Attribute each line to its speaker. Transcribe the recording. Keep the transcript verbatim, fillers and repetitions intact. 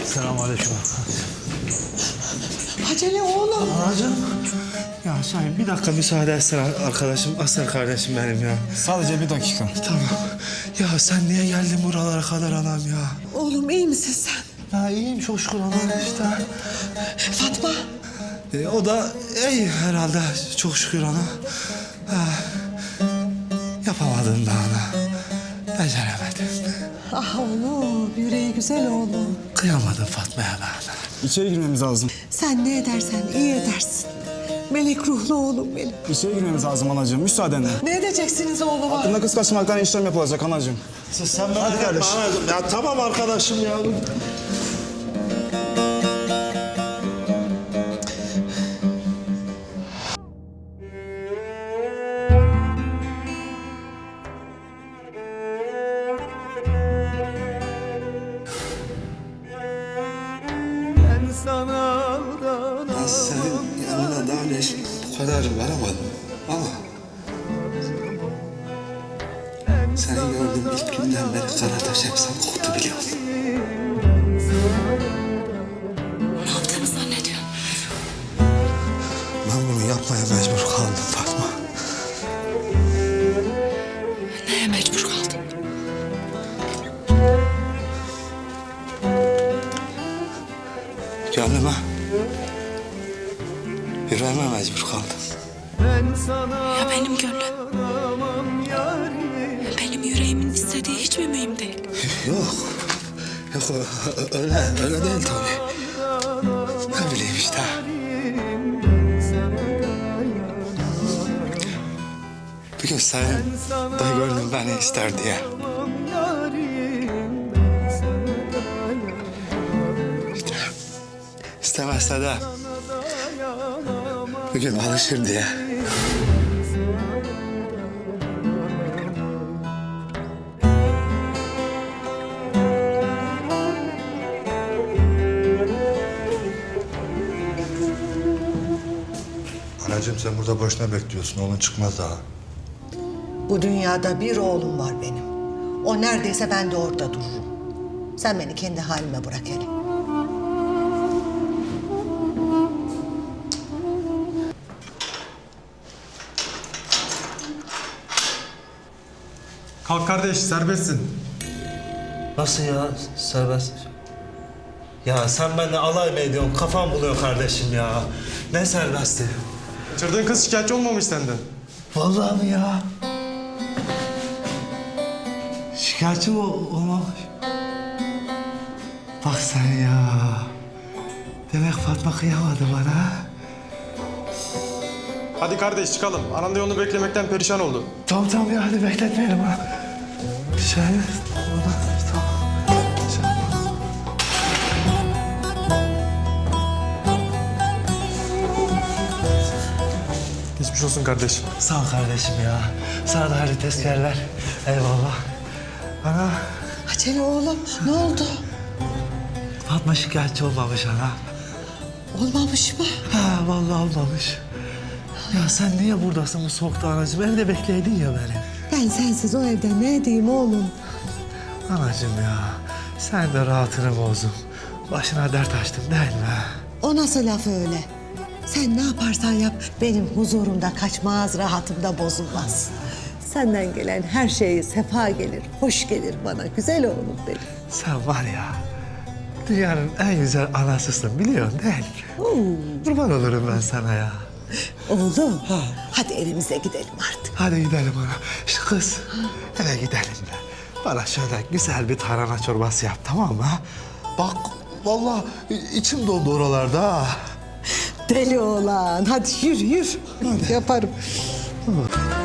Speaker 1: Selamünaleyküm.
Speaker 2: Acele oğlum.
Speaker 1: Anacığım. Ya Şahin bir dakika müsaade etsene arkadaşım, aslan kardeşim benim ya.
Speaker 3: Sadece bir dakika.
Speaker 1: Tamam. Ya sen niye geldin buralara kadar anam ya?
Speaker 2: Oğlum iyi misin sen?
Speaker 1: Ya iyiyim çok şükür anam işte.
Speaker 2: Fatma.
Speaker 1: E, o da iyi herhalde çok şükür ana. Ha, yapamadım da ana. Beceremedim.
Speaker 2: Ah oğlum, yüreği güzel oğlum.
Speaker 1: Kıyamadım Fatma'ya ben ana.
Speaker 3: İçeri girmemiz lazım.
Speaker 2: Sen ne edersen iyi edersin. Melek ruhlu oğlum benim.
Speaker 3: İçeri girmemiz lazım anacığım. Müsaadenle.
Speaker 2: Ne edeceksiniz oğluma?
Speaker 3: Hakkında kız kaçırmaktan işlem yapılacak anacığım.
Speaker 1: Sen merak etme
Speaker 3: kardeş.
Speaker 1: anacığım. Ya tamam arkadaşım ya. Ben senin yanına daha önce hiç bu kadar varamadım ama... Seni gördüğüm ilk günden beri Karataş hep sen koktu biliyor musun?
Speaker 2: Ne yaptığını zannediyorsun?
Speaker 1: Ben bunu yapmaya mecbur kaldım Fatma.
Speaker 2: Neye mecbur kaldın?
Speaker 1: Gönlüme, yüreğime mecbur kaldım.
Speaker 2: Ya benim gönlüm? Benim yüreğimin istediği hiç mi mühim değil?
Speaker 1: Yok, yok ö- öyle, öyle değil tabii. Ne bileyim işte. Bir gün senin de gönlüm beni ister diye. İşte istemezse de bir gün alışır diye.
Speaker 4: Anacığım sen burada boşuna bekliyorsun. Oğlun çıkmaz daha.
Speaker 5: Bu dünyada bir oğlum var benim. O neredeyse ben de orada dururum. Sen beni kendi halime bırak hele.
Speaker 6: Kalk kardeş, serbestsin.
Speaker 1: Nasıl ya serbest? Ya sen benimle alay mı ediyorsun? Kafam buluyor kardeşim ya. Ne serbesti?
Speaker 6: Kaçırdığın kız şikayetçi olmamış senden.
Speaker 1: Vallahi mi ya? Şikayetçi mi olmamış? Bak sen ya. Demek Fatma kıyamadı bana.
Speaker 6: Hadi kardeş çıkalım. Anan da yolunu beklemekten perişan oldu.
Speaker 1: Tamam tamam ya hadi bekletmeyelim ha. Şey, ona, tamam. Şey,
Speaker 6: Geçmiş olsun kardeş.
Speaker 1: sağ ol kardeşim ya. Sana da hayırlı tezkerler. Eyvallah. Ana,
Speaker 2: Acele oğlum, ne oldu?
Speaker 1: Fatma şikayetçi olmamış ana.
Speaker 2: Olmamış mı?
Speaker 1: Ha vallahi olmamış. Ya sen niye buradasın bu soğukta anacığım? Evde bekleydin ya beni.
Speaker 2: Ben sensiz o evde ne edeyim oğlum?
Speaker 1: Anacığım ya, sen de rahatını bozdun. Başına dert açtın değil mi?
Speaker 2: O nasıl laf öyle? Sen ne yaparsan yap benim huzurumda kaçmaz, rahatımda bozulmaz. Senden gelen her şey sefa gelir, hoş gelir bana güzel oğlum benim.
Speaker 1: Sen var ya, dünyanın en güzel anasısın biliyorsun değil mi?
Speaker 2: Oo.
Speaker 1: Kurban olurum ben sana ya.
Speaker 2: Oğlum, hadi evimize gidelim artık.
Speaker 1: Hadi gidelim ana. İşte kız, eve gidelim de. Bana şöyle güzel bir tarhana çorbası yap tamam mı? ha? Bak, vallahi içim doldu oralarda ha.
Speaker 2: Deli oğlan, hadi yürü yürü. Yaparım.